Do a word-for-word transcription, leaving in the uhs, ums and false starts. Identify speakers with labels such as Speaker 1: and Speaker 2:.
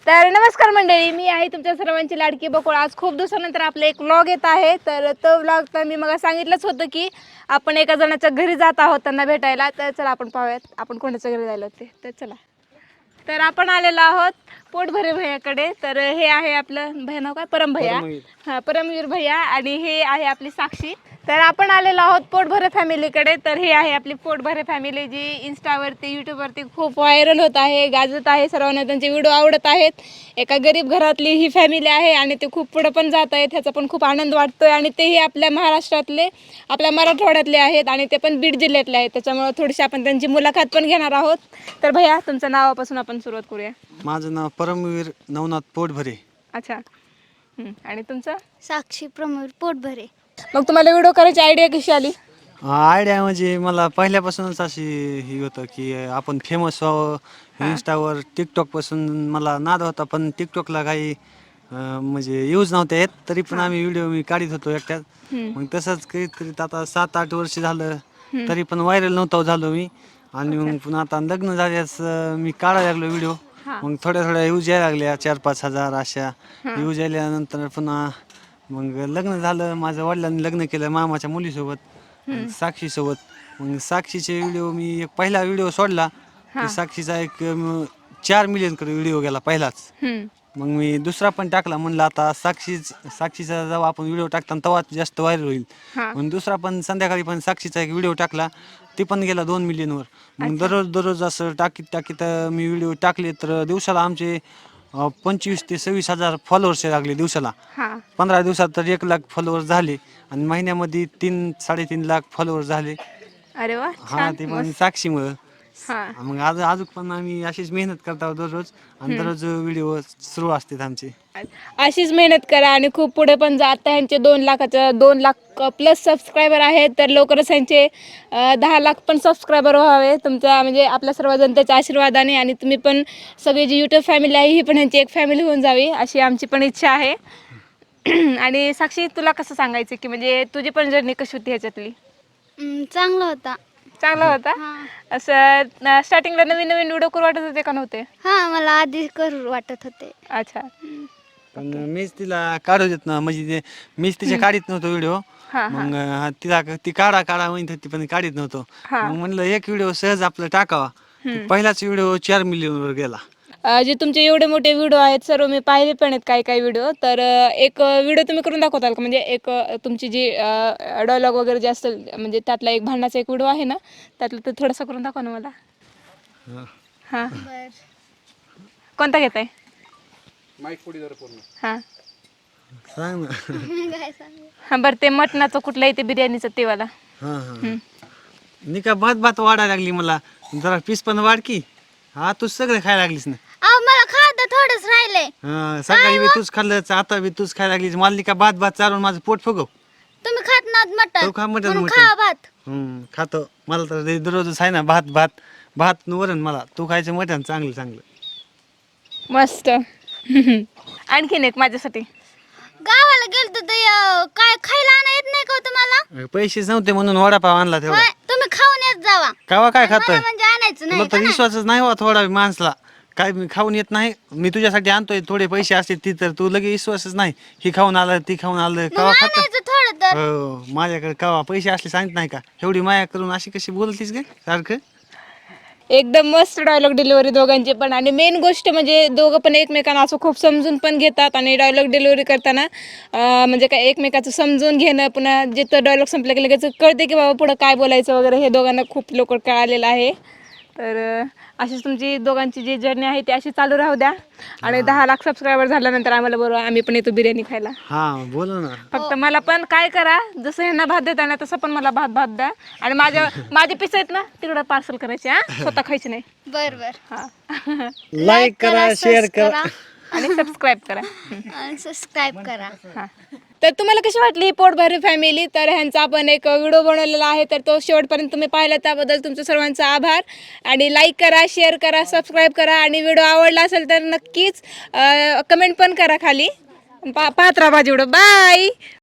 Speaker 1: तर नमस्कार मंडळी, मी आहे तुमच्या सर्वांची लाडकी बकुळ। आज खूप दिवसानंतर आपला एक व्लॉग येत आहे। तर तो व्लॉग तर मी मग सांगितलंच होतं की आपण एका जणाच्या घरी जात आहोत त्यांना भेटायला। तर चला आपण पाहूयात आपण कोणाच्या घरी जायला होते। तर चला, तर आपण आलेलो आहोत पोटभरे भैयाकडे। तर हे आहे आपलं भैया नाव काय, परम भैया। हां, परमवीर भैया। आणि हे आहे आपली साक्षी। तर आपण आलेलो आहोत पोटभरे फॅमिलीकडे। तर हे आहे आपली पोटभरे फॅमिली, जी इंस्टावरती यूट्यूबवरती खूप व्हायरल होत आहे, गाजत आहे, सर्वांना त्यांचे व्हिडिओ आवडत आहेत। एका गरीब घरातली ही फॅमिली आहे आणि ते खूप पुढे पण जात आहेत, ह्याचा पण खूप आनंद वाटतोय। आणि तेही आपल्या महाराष्ट्रातले, आपल्या मराठवाड्यातले आहेत आणि ते पण बीड जिल्ह्यातले आहेत। त्याच्यामुळे थोडीशी आपण त्यांची मुलाखत पण घेणार आहोत। तर भैया, तुमच्या नावापासून आपण सुरुवात करूया।
Speaker 2: माझं नाव परमवीर नवनाथ पोटभरे।
Speaker 1: अच्छा, आणि तुमचं?
Speaker 3: साक्षी प्रमोद पोटभरे।
Speaker 1: मग तुम्हाला व्हिडिओ करायची आयडिया कशी आली?
Speaker 2: आयडिया म्हणजे मला पहिल्यापासूनच अशी ही होतं की आपण फेमस व्हावं इंस्टावर। टिकटॉकपासून मला नाद होता, पण टिकटॉकला काही अं, म्हणजे यूज नव्हते येत, तरी पण आम्ही व्हिडिओ मी काढत होतो एकट्यात। मग तसंच करीत करीत आता सात आठ वर्ष झालं, तरी पण व्हायरल नव्हतं झालो मी। आणि मग पुन्हा आता लग्न झाल्यास मी काढायला लागलो व्हिडिओ। मग थोड्या थोड्या यूज यायला लागल्या, चार पाच हजार अशा यूज यायल्यानंतर पुन्हा मग लग्न झालं। माझ्या वडिलांनी लग्न केलं मामाच्या मुलीसोबत, साक्षीसोबत। मग साक्षीचे व्हिडिओ मी एक पहिला व्हिडिओ सोडला की साक्षीचा एक अं, चार मिलियन कडे व्हिडिओ गेला पहिलाच। मग मी दुसरा पण टाकला, म्हणलं आता साक्षी साक्षीचा जेव्हा आपण व्हिडिओ टाकता तेव्हा जास्त व्हायरल होईल। मग दुसरा पण संध्याकाळी पण साक्षीचा एक व्हिडिओ टाकला, ती पण गेला दोन मिलियनवर। मग दररोज दररोज असं टाकीत टाकीत मी व्हिडिओ टाकले, तर दिवसाला आमचे अं, पंचवीस ते सव्वीस हजार फॉलोअर्स लागले दिवसाला। पंधरा दिवसात तर एक लाख फॉलोअर्स झाले आणि महिन्यामध्ये तीन साडेतीन लाख फॉलोअर्स झाले।
Speaker 1: अरे वा,
Speaker 2: हा, ते पण साक्षीमुळं। मग आज अजून पण आम्ही अशीच मेहनत करत आहोत दररोज, आणि दररोज व्हिडिओ सुरू असतात आमचे।
Speaker 1: अशीच मेहनत करा आणि खूप पुढे पण जा। आता ह्यांचे दोन लाखाचं दोन लाख प्लस सबस्क्रायबर आहेत, तर लवकरच ह्यांचे अं, दहा लाख पण सबस्क्रायबर व्हावे तुमच्या, म्हणजे आपल्या सर्व जनतेच्या आशीर्वादाने। आणि तुम्ही पण सगळी जी यूट्यूब फॅमिली आहे ही पण ह्यांची एक फॅमिली होऊन जावी, अशी आमची पण इच्छा आहे। आणि साक्षी, तुला कसं सांगायचं की म्हणजे तुझी पण जर्नी कशी होती ह्याच्यातली?
Speaker 3: हम्म, चांगला होता।
Speaker 1: चांगला होता? असं स्टार्टिंगला नवीन नवीन व्हिडिओ करू वाटत होते का नव्हते?
Speaker 3: हा, मला आधी करू वाटत होते।
Speaker 1: अच्छा,
Speaker 2: पण मीच तिला काढू देत ना, म्हणजे ते मीच तिच्या काढीत नव्हतो व्हिडिओ। मग अं, तिला ती काढा काढा म्हणत होती, पण काढीत नव्हतो। मग म्हणलं एक व्हिडिओ सहज आपलं टाकावा। पहिलाच व्हिडिओ चार मिलियनवर गेला।
Speaker 1: अं, जे तुमचे एवढे मोठे व्हिडिओ आहेत सर्व मी पाहिले पण आहेत काही काही व्हिडिओ। तर अं, एक व्हिडिओ तुम्ही करून दाखवताल का? म्हणजे एक अं, तुमची जी डायलॉग वगैरे जे असेल, म्हणजे त्यातला एक भांडणाचा एक व्हिडिओ आहे ना, त्यातलं ते थोडंसं करून दाखवा ना मला। हां,
Speaker 3: बर,
Speaker 1: कोणता घेताय? हां
Speaker 2: सांग ना।
Speaker 3: काय सांगू?
Speaker 1: हां, बरं ते मटणाचं कुठलं आहे ते बिर्याणीचं ते वाला?
Speaker 2: हा हा, नी का भात भात वाढायला लागली मला, जरा पीस पण वाढ की। हा, तू सगळं खायला लागलीस ना।
Speaker 3: अहो, मला खायला थोडंच राहिलंय।
Speaker 2: हा, सकाळी बी तूच खाल्लं, आता बी तूच खायला लागलीस। मला नी का भात भात चालून माझं पोट फुगव।
Speaker 3: तुम्ही खात नात मटण,
Speaker 2: तो खा मटण
Speaker 3: म्हणून
Speaker 2: मटण।
Speaker 3: खा भात।
Speaker 2: हम्म, खातो। मला तर ते दररोजच आहे ना भात भात भात वरण। मला तू खायचं मटण चांगलं चांगलं
Speaker 1: मस्त। आणखीन एक माझ्यासाठी।
Speaker 3: गावाला गेलतो तर अं, काय खायला आणा येत नाही का हो तुम्हाला?
Speaker 2: पैसेच नव्हते म्हणून वडापाव आणला तेवढा।
Speaker 3: होय, तुम्ही खाऊन येत जावा।
Speaker 2: कावा काय खातोय?
Speaker 3: मला म्हणजे आणायचं
Speaker 2: तुला
Speaker 3: नाही
Speaker 2: तर
Speaker 3: का नाही?
Speaker 2: विश्वासच नाही हो थोडा माणसाला। काय मी खाऊन येत नाही, मी तुझ्यासाठी आणतोय। थोडे पैसे असते ती तर तू लगे विश्वासच नाही। ही खाऊन आलं ती खाऊन आलं,
Speaker 3: मग
Speaker 2: कावा खात?
Speaker 3: आणायचं थोडं तर।
Speaker 2: हो, माझ्याकडे कावा पैसे असले सांगत नाही का? एवढी माया करून अशी कशी बोलतीस ग सारखं?
Speaker 1: एकदम मस्त डायलॉग डिलिव्हरी दोघांची पण। आणि मेन गोष्ट म्हणजे दोघं पण एकमेकांना असं खूप समजून पण घेतात। आणि डायलॉग डिलिव्हरी करताना अं, म्हणजे काय एकमेकाचं समजून घेणं, पुन्हा जिथं डायलॉग संपलं की लगेच कळते की बाबा पुढं काय बोलायचं वगैरे, हे दोघांना खूप लवकर कळालेलं आहे। तर अं, अशीच तुमची दोघांची जी जर्नी आहे ती अशी चालू राहू द्या। आणि दहा लाख सबस्क्रायबर झाल्यानंतर आम्हाला बरोबर आम्ही पण येतो बिर्याणी खायला।
Speaker 2: हा, बोल ना।
Speaker 1: फक्त मला पण काय करा, जसं ह्यांना भात देता ना तसं पण मला भात भात द्या। आणि माझ्या माझे पिस आहेत ना तिकडं पार्सल करायचे, हा, स्वतः खायचे नाही।
Speaker 3: बर बर,
Speaker 1: हा,
Speaker 2: लाईक करा, शेअर करा
Speaker 1: आणि सबस्क्राईब करा।
Speaker 3: आणि सबस्क्राईब करा।
Speaker 1: हां, तर तुम्हाला कशी वाटली ही पोटभरे फॅमिली? तर ह्यांचा आपण एक व्हिडिओ बनवलेला आहे, तर तो शेवटपर्यंत तुम्ही पाहिला त्याबद्दल तुमचं सर्वांचा आभार। आणि लाईक करा, शेअर करा, सबस्क्राईब करा। आणि व्हिडिओ आवडला असेल तर नक्कीच कमेंट पण करा खाली। पा पाहत राहा माझी व्हिडिओ। बाय।